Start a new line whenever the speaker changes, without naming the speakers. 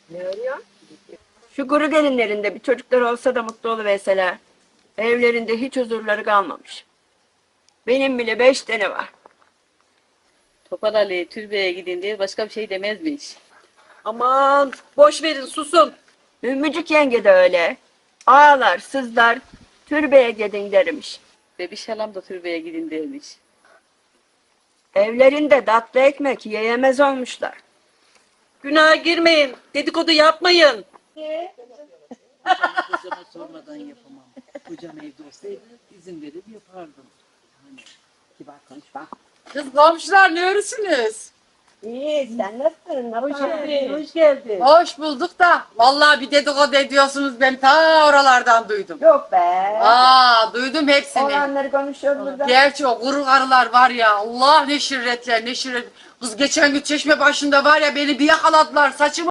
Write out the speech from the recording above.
Ne arıyor? Şu kuru gelinlerinde bir çocuklar olsa da mutlu oluverseler. Evlerinde hiç huzurları kalmamış. Benim bile 5 tane var.
Topal Ali türbeye gidin diye başka bir şey demezmiş.
Aman boş verin susun.
Ümmücük yenge de öyle. Ağlar, sızlar, türbeye gidin dermiş.
Bebiş halam da türbeye gidin demiş.
Evlerinde tatlı ekmek yiyemez olmuşlar.
Günaha girmeyin. Dedikodu yapmayın.
Kocama sormadan yapamam. Kocam evde olsaydı izin verir yapardım. Hani kibar konuşma.
Kız komşular ne örüsünüz?
İyi, sen nasılsın?
Hoş geldin, hoş geldin.
Hoş bulduk da vallahi bir dedikodu ediyorsunuz ben ta oralardan duydum.
Yok be.
Duydum hepsini.
Olanları konuşuyoruz burada.
Gerçi o kuru karılar var ya Allah ne şirretler ne şirret. Kız geçen gün çeşme başında var ya beni bir yakaladılar saçımı